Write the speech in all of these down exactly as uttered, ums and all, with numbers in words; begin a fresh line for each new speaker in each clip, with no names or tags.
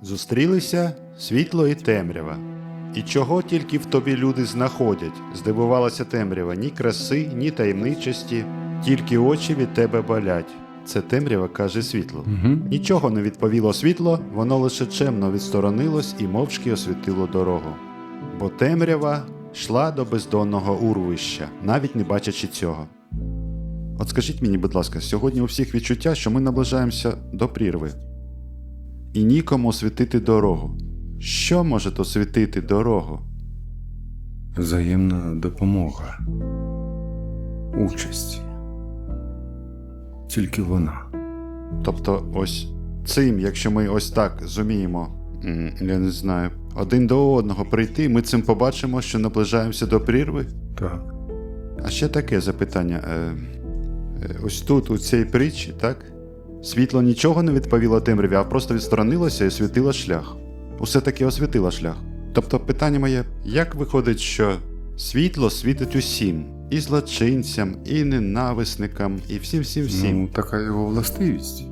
Зустрілися світло і темрява. І чого тільки в тобі люди знаходять, здивувалася темрява, ні краси, ні таємничості, тільки очі від тебе болять. Це темрява каже світло.
Угу.
Нічого не відповіло світло, воно лише чемно відсторонилось і мовчки освітило дорогу. Бо темрява йшла до бездонного урвища, навіть не бачачи цього. От скажіть мені, будь ласка, сьогодні у всіх відчуття, що ми наближаємося до прірви. І нікому освітити дорогу. Що може освітити дорогу?
Взаємна допомога. Участь. Тільки вона.
Тобто ось цим, якщо ми ось так зуміємо, м, я не знаю, один до одного прийти, ми цим побачимо, що наближаємося до прірви?
Так.
А ще таке запитання. Е, е, ось тут, у цій притчі, так? Світло нічого не відповіло темряві, а просто відсторонилося і освітило шлях. Усе таки освітило шлях. Тобто питання моє, як виходить, що світло світить усім? І злочинцям, і ненависникам, і всім-всім-всім.
Ну, така його властивість.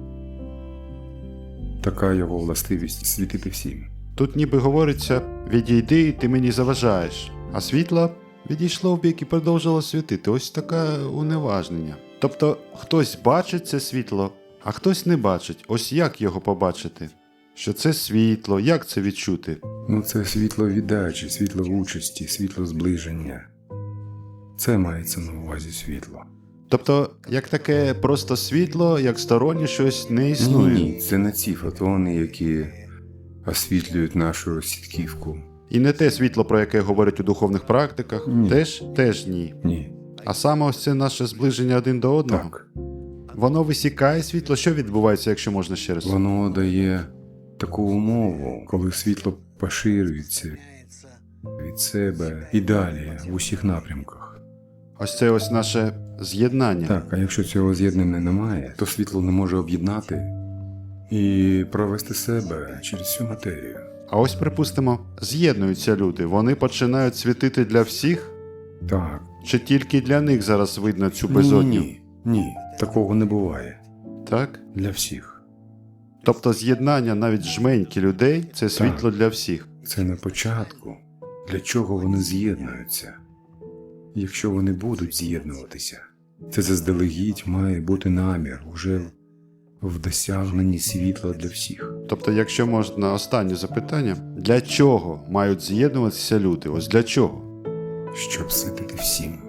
Така його властивість світити всім.
Тут ніби говориться, відійди, ти мені заважаєш. А світло відійшло в бік і продовжило світити. Ось таке уневажнення. Тобто хтось бачить це світло, а хтось не бачить. Ось як його побачити? Що це світло, як це відчути?
Ну, це світло віддачі, світло участі, світло зближення. Це мається на увазі світло.
Тобто, як таке просто світло, як стороннє щось не існує.
Ні, це не ці фотони, які освітлюють нашу сітківку.
І не те світло, про яке говорять у духовних практиках,
Ні.
теж, теж ні.
Ні.
А саме ось це наше зближення один до одного.
Так.
Воно висікає світло. Що відбувається, якщо можна ще раз?
Воно дає таку умову, коли світло поширюється від себе і далі в усіх напрямках.
Ось це ось наше з'єднання.
Так, а якщо цього з'єднання немає, то світло не може об'єднати і провести себе через всю матерію.
А ось, припустимо, з'єднуються люди. Вони починають світити для всіх?
Так.
Чи тільки для них зараз видно цю безодню?
Ні, ні, такого не буває.
Так?
Для всіх.
Тобто з'єднання навіть жменьки людей – це світло для всіх.
Це на початку. Для чого вони з'єднуються? Якщо вони будуть з'єднуватися, це заздалегідь має бути намір уже в досягненні світла для всіх.
Тобто, якщо можна останнє запитання, для чого мають з'єднуватися люди? Ось для чого?
Щоб світити всім.